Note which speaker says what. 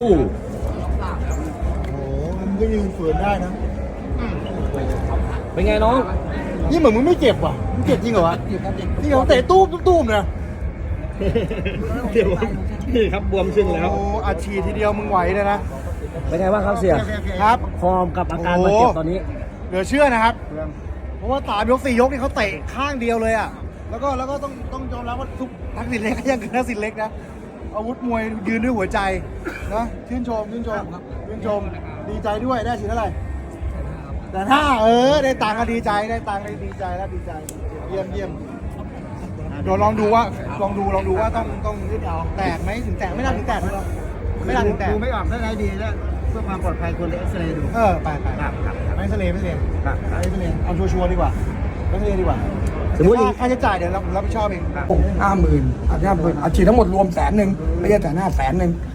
Speaker 1: โอ้โหมันก็ยืนฝืนได้นะ
Speaker 2: เป็นไงน้อง
Speaker 1: นี่เหมือนมึงไม่เจ็บว่ะมึงเจ็บจริงเหรอวะนี่เขาเตะตู้มนะ
Speaker 2: เดี๋ยวนี่ครับบวมขึ้นแล้ว
Speaker 1: โอ้อัดฉีดทีเดียวมึงไหวเลยนะ
Speaker 2: เป็นไงบ้างครับเสี่ย
Speaker 1: ครับ
Speaker 2: ฟอร์มกับอาการบาดเจ็บตอนนี้
Speaker 1: เหลือเชื่อนะครับ เพราะว่า3 ยก 4 ยกนี่เขาเตะข้างเดียวเลยอ่ะแล้วก็ต้องยอมรับว่าทุกทักษิณเล็กก็ยังคือทักษิณเล็กนะอาวุธมวยยืนด้วยหัวใจนะชื่นชมดีใจด้วยได้ฉีดเท่าไหร่แต่ถ้าได้ตังค์ก็ดีใจได้ตังค์ได้ดีใจแล้วดีใจเยี่ยมเดี๋ยวลองดูว่าต้องยืดเอาแตกไหมถึงแตกไม่น่าถึงแตกนะไม่น่าถึงแตก
Speaker 3: ดูไม่ออกได้ไงดีแล้วเพื่อความปลอดภัยควรเอ็กซเรย์ดู
Speaker 1: ไป
Speaker 3: ครับ
Speaker 1: ไม่เสลไม่เสล
Speaker 3: ครับ
Speaker 1: เอาชัวร์ๆดีกว่าไม่เสลดีกว่า
Speaker 2: สมมุติอย่าง
Speaker 1: ค่าใช้จ่ายเดี๋ยวเรารับผิดชอบเอง
Speaker 3: ครับ
Speaker 4: 50,000อาจจะ50,000อาชีพทั้งหมดรวม100,000ไม่ใช่150,000